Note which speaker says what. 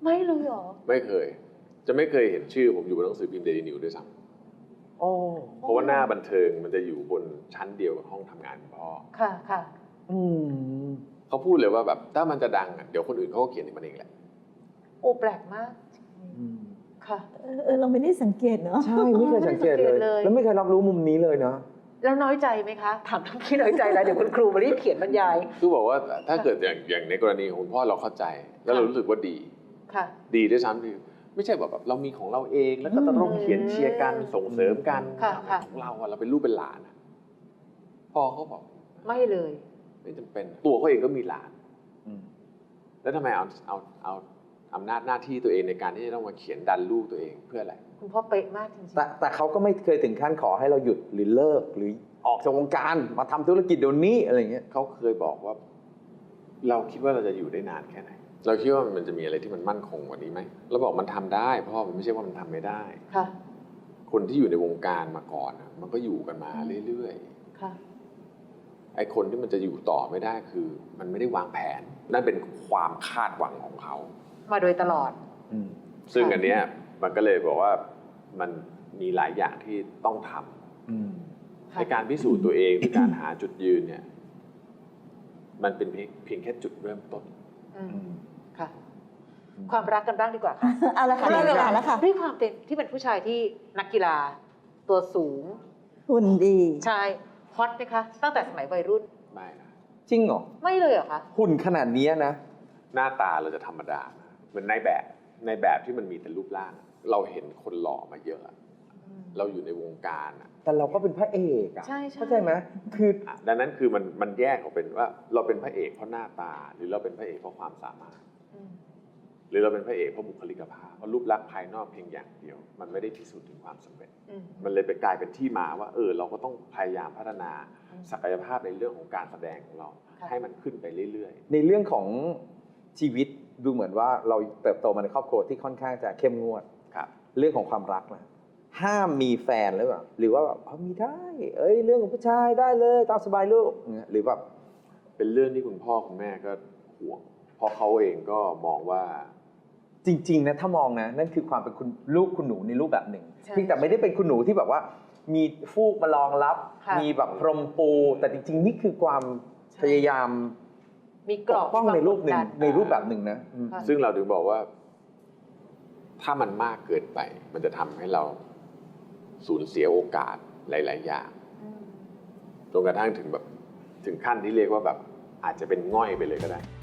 Speaker 1: ไม่เลยหรอ
Speaker 2: ไม่เคยจะไม่เคยเห็นชื่อผมอยู่บนหนังสือพิมพ์เดลี่นิวด้วยซ้ำเพราะว่าหน้าบันเทิงมันจะอยู่บนชั้นเดียวกับห้องทำงานพ่อ
Speaker 1: ค่ะค่ะ
Speaker 2: เขาพูดเลยว่าแบบถ้ามันจะดังเดี๋ยวคนอื่นเขาก็เขียนมันเองแหละ
Speaker 1: โอ้แปลกมากค่ะ
Speaker 3: เราไม่ได้สังเกตเนาะ
Speaker 4: ใช่ไม่เคยสังเกตเลยแล้วไม่เคยรับรู้มุมนี้เลยเนาะ
Speaker 1: แล้วน้อยใจไหมคะถามทั้งที่น้อยใจแล้วเดี๋ยวคุณครูมารีบเขียนบรรยาย
Speaker 2: คือบอกว่าถ้าเกิดอย่างในกรณีของคุณพ่อเราเข้าใจแล้วเรารู้สึกว่าดี
Speaker 1: ค่ะ
Speaker 2: ดีด้วยซ้ำคือไม่ใช่แบบเรามีของเราเองแล้วก็ต้องเขียนเชียร์กันส่งเสริมกันของเราเป็นลูกเป็นหลานพ่อเขาบอก
Speaker 1: ไม่เลย
Speaker 2: ไม่จำเป็นตัวเขาเองก็มีหลานแล้วทำไมเอาอำนาจหน้าที่ตัวเองในการที่จะต้องมาเขียนดันลูกตัวเองเพื่ออะไร
Speaker 1: คุณพ่อเป๊ะมากจริง
Speaker 4: ๆแต่เขาก็ไม่เคยถึงขั้นขอให้เราหยุดหรือเลิกหรือออกจากวงการมาทำธุรกิจเดี๋ยวนี้อะไรเงี้ย
Speaker 2: เขาเคยบอกว่าเราคิดว่าเราจะอยู่ได้นานแค่ไหนเราคิดว่ามันจะมีอะไรที่มันมั่นคงกว่านี้ไหมเราบอกมันทำได้เพราะมันไม่ใช่ว่ามันทำไม่ได้
Speaker 1: ค่ะ
Speaker 2: คนที่อยู่ในวงการมาก่อนมันก็อยู่กันมาเรื่อย
Speaker 1: ๆค่ะ
Speaker 2: ไอ้คนที่มันจะอยู่ต่อไม่ได้คือมันไม่ได้วางแผนนั่นเป็นความคาดหวังของเขา
Speaker 1: มาโดยตลอด
Speaker 2: ซึ่งอันเนี้ยมันก็เลยบอกว่ามันมีหลายอย่างที่ต้องทำในการพิสูจน์ตัวเองในการหาจุดยืนเนี่ยมันเป็นเพียงแค่จุดเริ่มต้น
Speaker 1: ค่ะความรักกันบ้างดีกว่าค่ะ
Speaker 3: เอาละค่ะแล้วค่ะ
Speaker 1: ด้วยความเป็นที่เป็นผู้ชายที่นักกีฬาตัวสูง
Speaker 3: หุ่นดี
Speaker 1: ใช่ฮอตไหมคะตั้งแต่สมัยวัยรุ่น
Speaker 2: ไม่นะ
Speaker 4: จริงเหรอ
Speaker 1: ไม่เลยเหรอคะ
Speaker 4: หุ่นขนาดนี้นะ
Speaker 2: หน้าตาเราจะธรรมดาเหมือนในแบบที่มันมีแต่รูปร่างเราเห็นคนหล่อมาเยอะเราอยู่ในวงการ
Speaker 4: แต่เราก็เป็นพระเอกอะเข้าใจไหมคือ
Speaker 2: ดังนั้นคือมันแยกออกเป็นว่าเราเป็นพระเอกเพราะหน้าตาหรือเราเป็นพระเอกเพราะความสามารถหรือเราเป็นพระเอกเพราะบุคลิกภาพเพราะรูปลักษณ์ภายนอกเพียงอย่างเดียวมันไม่ได้พิสูจน์ถึงความสำเร็จมันเลยไปกลายเป็นที่มาว่าเราก็ต้องพยายามพัฒนาศักยภาพในเรื่องของการแสดงของเราให้มันขึ้นไปเรื่อย
Speaker 4: ๆในเรื่องของชีวิตดูเหมือนว่าเราเติบโตมาในครอบครัวที่ค่อนข้างจะเข้มงวดเรื่องของความรักนะห้ามมีแฟนหรือเปล่าหรือว่าแบบมีได้เรื่องของผู้ชายได้เลยตามสบายลูกหรือแบบ
Speaker 2: เป็นเรื่องที่คุณพ่อคุณแม่ก็ห่วงเพราะเขาเองก็มองว่า
Speaker 4: จริงๆนะถ้ามองนะนั่นคือความเป็นคุณลูกคุณหนูในรูปแบบหนึ่งเพียงแต่ไม่ได้เป็นคุณหนูที่แบบว่ามีฟูกมารองรับมีแบบพรมปูแต่จริงๆนี่คือความพยายาม
Speaker 1: มีกรอบ
Speaker 4: ป้องในรูปหนึ่งในรูปแบบหนึ่งนะ
Speaker 2: ซึ่งเราถึงบอกว่าถ้ามันมากเกินไปมันจะทำให้เราสูญเสียโอกาสหลายๆอย่างจนกระทั่งถึงขั้นที่เรียกว่าแบบอาจจะเป็นง่อยไปเลยก็ได้